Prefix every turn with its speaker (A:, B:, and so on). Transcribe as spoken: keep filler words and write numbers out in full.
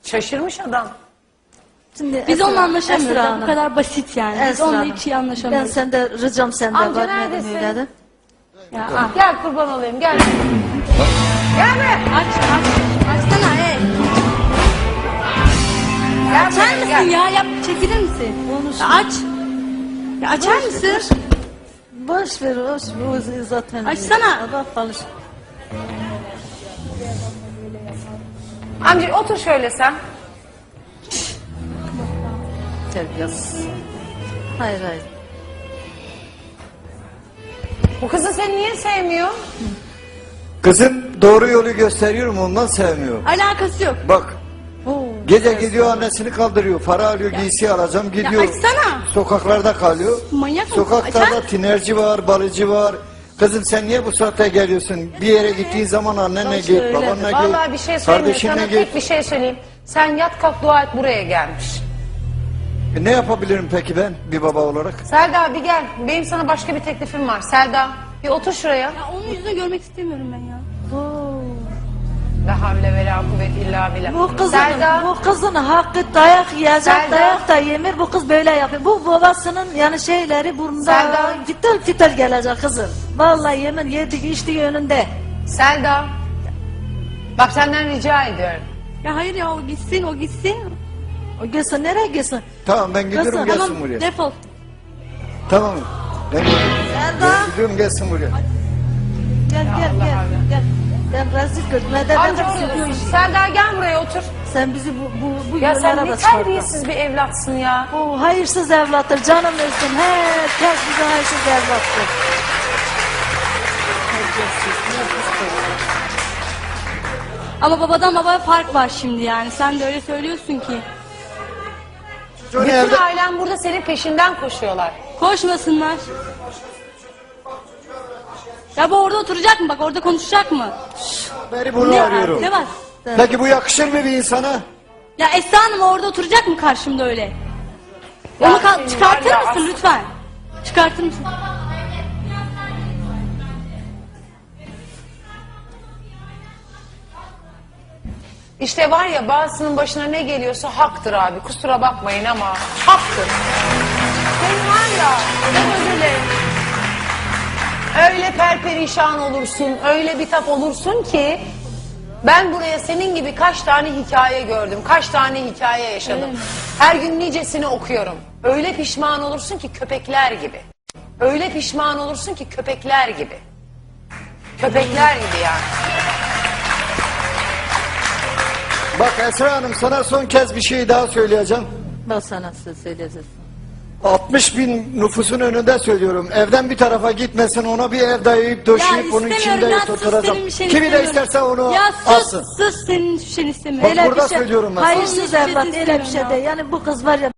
A: Şaşırmış adam.
B: Şimdi
C: Biz
B: Esra-
C: onunla anlaşamıyoruz.
B: Esra
C: ya, Bu
B: Hanım,
C: kadar basit yani. Biz
B: Esra
C: onunla
B: Hanım,
C: hiç iyi
B: Ben
C: anlaşamıyoruz.
B: sende ricam sende
A: Amca
B: var. Madem
A: neredesin?
B: öyle de.
C: Ya, ah.
A: Gel kurban olayım gel. Gel be.
C: Aç aç. Açsana ey.
A: Gel
C: Açar
A: buraya,
C: mısın
A: gel.
C: ya? Yap, çekilir misin?
B: Konuş.
C: Ya aç. Ya açar mısın?
B: Boş ver, boş ver. O zaten.
C: Açsana.
B: Bak konuş.
A: Amca otur şöyle sen.
B: Terbiyesiz. Hayır hayır.
A: Bu kızı seni niye sevmiyor?
D: Kızım doğru yolu gösteriyorum ondan sevmiyor.
C: Alakası yok.
D: Bak
B: Oo,
D: gece gidiyor annesini kaldırıyor. Para alıyor giysi alacağım gidiyor.
C: açsana.
D: Sokaklarda kalıyor.
C: Manyak mısın?
D: Sokaklarda
C: Açar.
D: tinerci var, balıcı var. Kızım sen niye bu saatte geliyorsun? Bir yere gittiğin zaman annenle
B: Nasıl
D: git,
B: öyle?
D: babanla git,
A: Vallahi bir şey söyleyeyim.
D: kardeşinle
A: Sana
D: git.
A: tek bir şey söyleyeyim. Sen yat kalk dua et buraya gelmiş.
D: E, ne yapabilirim peki ben bir baba olarak?
A: Selda bir gel. Benim sana başka bir teklifim var. Selda bir otur şuraya.
C: Ya onun yüzünü görmek istemiyorum ben ya.
A: La havle ve la kuvvet illa billah.
B: Bu kızın,
A: Selda.
B: bu kızın hakkı dayak yiyecek,
A: Selda.
B: dayak da yemir. Bu kız böyle yapıyor. Bu babasının yani şeyleri burnunda
A: Selda.
B: fitil fitil gelecek kızım. Vallahi yemin yedik içtiği önünde.
A: Selda. Bak senden rica ediyorum.
C: Ya hayır ya o gitsin o gitsin.
B: O gitsin nereye gitsin?
D: Tamam ben gidiyorum
B: Kızım,
D: gelsin
C: Tamam
D: buraya.
C: defol.
D: Tamam. Ben gidiyorum.
B: Selda.
D: Ben gidiyorum gelsin buraya.
B: Gel gel
A: Allah
B: gel.
A: Allah.
B: Gel. Ben rezil gördüm. Neden
A: Amca
B: ben
A: orada
B: sürüyorum?
A: dur. Selda gel buraya otur.
B: Sen bizi bu, bu, bu
A: Ya sen
B: yollara
A: ne
B: da çıkarttın.
A: terbiyesiz bir evlatsın ya.
B: Bu hayırsız evlattır. Canım ölsün. Herkes bize hayırsız evlattır.
C: Ama babadan babaya fark var şimdi yani. Sen de öyle söylüyorsun ki.
D: Çocuğun
A: Bütün
D: evde...
A: ailen burada senin peşinden koşuyorlar.
C: Koşmasınlar. Ya bu orada oturacak mı? Bak orada konuşacak mı?
D: Beri bunu
C: Ne,
D: arıyorum.
C: ne var?
D: Peki bu yakışır mı bir insana?
C: Ya Esra Hanım orada oturacak mı karşımda öyle?
A: Ya
C: Onu kal-
A: senin
C: çıkartır
A: var ya
C: mısın
A: as-
C: lütfen? Çıkartır mısın?
A: İşte var ya bazısının başına ne geliyorsa haktır abi. Kusura bakmayın ama haktır. Senin var ya ben özür dilerim. Öyle perperişan olursun, öyle bitap olursun ki ben buraya senin gibi kaç tane hikaye gördüm, kaç tane hikaye yaşadım. Her gün nicesini okuyorum. Öyle pişman olursun ki köpekler gibi. Öyle pişman olursun ki köpekler gibi. Köpekler gibi yani.
D: Bak Esra Hanım sana son kez bir şey daha söyleyeceğim.
B: Ben sana söz söyleyeceğim.
D: altmış bin nüfusun önünde söylüyorum. Evden bir tarafa gitmesin ona bir ev dayayıp döşeyip onun içinde
C: ya sus
D: oturacağım.
C: senin bir şeyini
D: Kimi de
C: istemiyorum.
D: isterse onu
C: Ya sus
D: alsın.
C: sus senin hiçbir şeyini istemiyorum.
D: Bak burada söylüyorum ben sana.
B: Hayırsız
C: Onun hiçbir
B: evlat
C: şeyini
B: öyle bir şey
C: istemiyorum
B: değil. Yani bu kız var ya